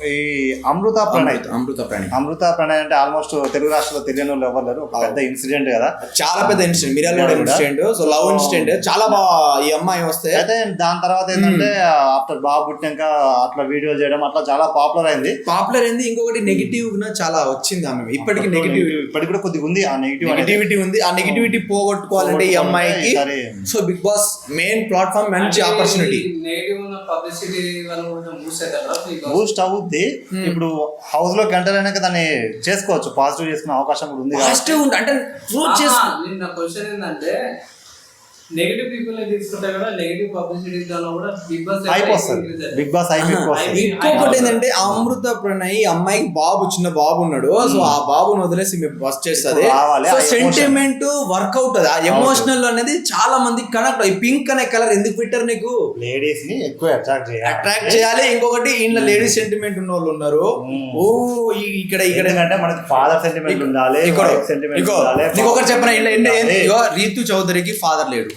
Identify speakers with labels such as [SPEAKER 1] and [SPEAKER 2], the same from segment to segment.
[SPEAKER 1] ఈ అమృత ప్రణయ్
[SPEAKER 2] అమృత ప్రణయ్
[SPEAKER 1] అంటే ఆల్మోస్ట్ తెలుగు రాష్ట్రాల్లో తెలియని వాళ్ళు ఎవరు లేరు. ఒక పెద్ద ఇన్సిడెంట్ కదా,
[SPEAKER 2] చాలా పెద్ద incident, Miryalaguda incident. So love incident చాలా బాగా ఈ అమ్మాయి వస్తే
[SPEAKER 1] అయితే దాని తర్వాత ఏంటంటే ఆఫ్టర్ బాబు పుట్టినాక అట్లా వీడియో చేయడం అట్లా చాలా పాపులర్ అయింది.
[SPEAKER 2] ఇంకొకటి నెగిటివ్ చాలా వచ్చింది ఆమె. ఇప్పటికి
[SPEAKER 1] ఇప్పటికి కూడా కొద్దిగా ఉంది ఆ
[SPEAKER 2] నెగిటివిటీ ఉంది. ఆ నెగిటివిటీ పోగొట్టుకోవాలంటే ఈ అమ్మాయికి so big boss main platform మంచి ఆపర్చునిటీ.
[SPEAKER 1] బూస్ట్ అవుద్ది. ఇప్పుడు హౌస్ లో ఎంటర్ అయినాక దాన్ని చేసుకోవచ్చు, పాజిటివ్ చేసుకునే అవకాశం కూడా ఉంది.
[SPEAKER 2] అంటే ప్రూవ్ చేసుకో.
[SPEAKER 3] నా క్వశ్చన్ ఏంటంటే నెగటివ్ పీపుల్ తీసుకుంటే కూడా నెగటివ్ పబ్లిసిటీ కూడా బిగ్ బాస్
[SPEAKER 1] బిగ్ బాస్
[SPEAKER 2] ఇంకొకటి ఏంటంటే అమృత ప్రణయ్ అమ్మాయికి చిన్న బాబు ఉన్నాడు. సో ఆ బాబుని వదిలేసి మేము బస్ చేస్తుంది. సో సెంటిమెంట్ వర్క్ అవుతుంది. ఆ ఎమోషనల్ అనేది చాలా మంది కనెక్ట్. ఈ పింక్ అనే కలర్ ఎందుకు పెట్టారు నీకు?
[SPEAKER 1] లేడీస్ ని ఎక్కువ
[SPEAKER 2] అట్రాక్ట్ చేయాలి. ఇంకొకటి ఇంట్లో లేడీస్ సెంటిమెంట్ ఉన్న వాళ్ళు ఉన్నారు. ఓ ఇక్కడ
[SPEAKER 1] అంటే మనకి ఫాదర్ సెంటిమెంట్ ఉండాలి.
[SPEAKER 2] ఇంకొకటి చెప్పిన రీతు చౌదరికి ఫాదర్ లేడు.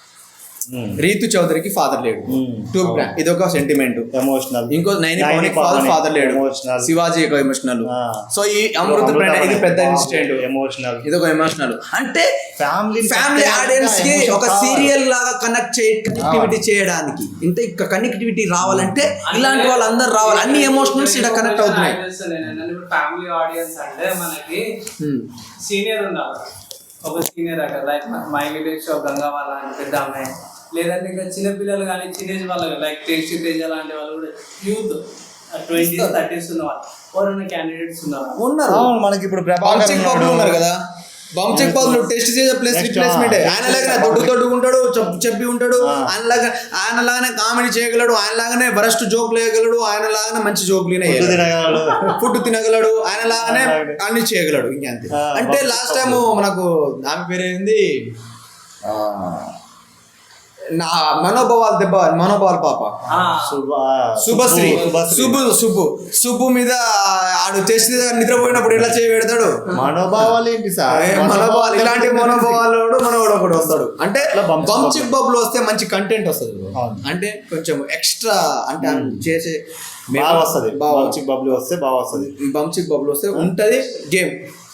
[SPEAKER 2] ఇది ఒక సెంటిమెంట్ ఎమోషనల్. ఇంకో ఫాదర్ లేడు. శివాజీ ఒక ఎమోషనల్. సో ఈ అమృత ప్రణయ్ ఇది పెద్ద ఇన్సిడెంట్ ఎమోషనల్. ఇది ఒక ఎమోషనల్. అంటే ఫ్యామిలీ ఆడియన్స్ కి ఒక సీరియల్ లాగా కనెక్టివిటీ చేయడానికి. ఇంత కనెక్టివిటీ రావాలంటే ఇలాంటి వాళ్ళందరూ రావాలి. అన్ని ఎమోషనల్స్ ఇక్కడ కనెక్ట్ అవుతున్నాయి.
[SPEAKER 3] ఫ్యామిలీ ఆడియన్స్ అంటే మనకి సీనియర్ ఉండాలి. ఒక సీనియర్ అక్కడ like my village show Ganga వాళ్ళ పెద్ద అమ్మాయి, లేదంటే ఇంకా చిన్నపిల్లలు కానీ చిన్నేజ్ వాళ్ళు లైక్ టేస్టీ తేజ లాంటి వాళ్ళు కూడా యూత్ 20s 30s ఉన్న వాళ్ళు ఎవరైనా క్యాండిడేట్స్
[SPEAKER 2] ఉన్నారు. మనకి ఇప్పుడు ఉన్నారు కదా, బంచెక్ బాబు టెస్ట్ చేసే ప్లేస్ రిప్లేస్మెంట్. ఆయన లాగానే దొడ్డు ఉంటాడు, చెప్పి ఉంటాడు. ఆయన లాగానే కామెడీ చేయగలడు. ఆయన లాగానే వరస్ట్ జోక్లు వేయగలడు. ఆయన లాగానే మంచి జోక్లు ఫుడ్ తినగలడు. ఆయన లాగానే అన్ని చేయగలడు. ఇంకంతే. అంటే లాస్ట్ టైం మనకు ఆమె పేరేంది, మనోభావాల పాప శుభశ్రీ. సుబ్బు మీద ఆడు చేసి నిద్రపోయినప్పుడు ఎలా చేయబెడతాడు.
[SPEAKER 1] మనోభావాలు ఏంటి సార్?
[SPEAKER 2] మనోభావాలు ఇలాంటి మనోభావాలు మనోడు ఒకడు వస్తాడు. అంటే బంచిక్ బబుల్ వస్తే మంచి కంటెంట్ వస్తుంది. అంటే కొంచెం ఎక్స్ట్రా అంటే చేసే
[SPEAKER 1] బాగా వస్తుంది. బంచిక్ బబుల్ వస్తే బాగా వస్తుంది.
[SPEAKER 2] బంచిక్ బబుల్ వస్తే ఉంటది గేమ్.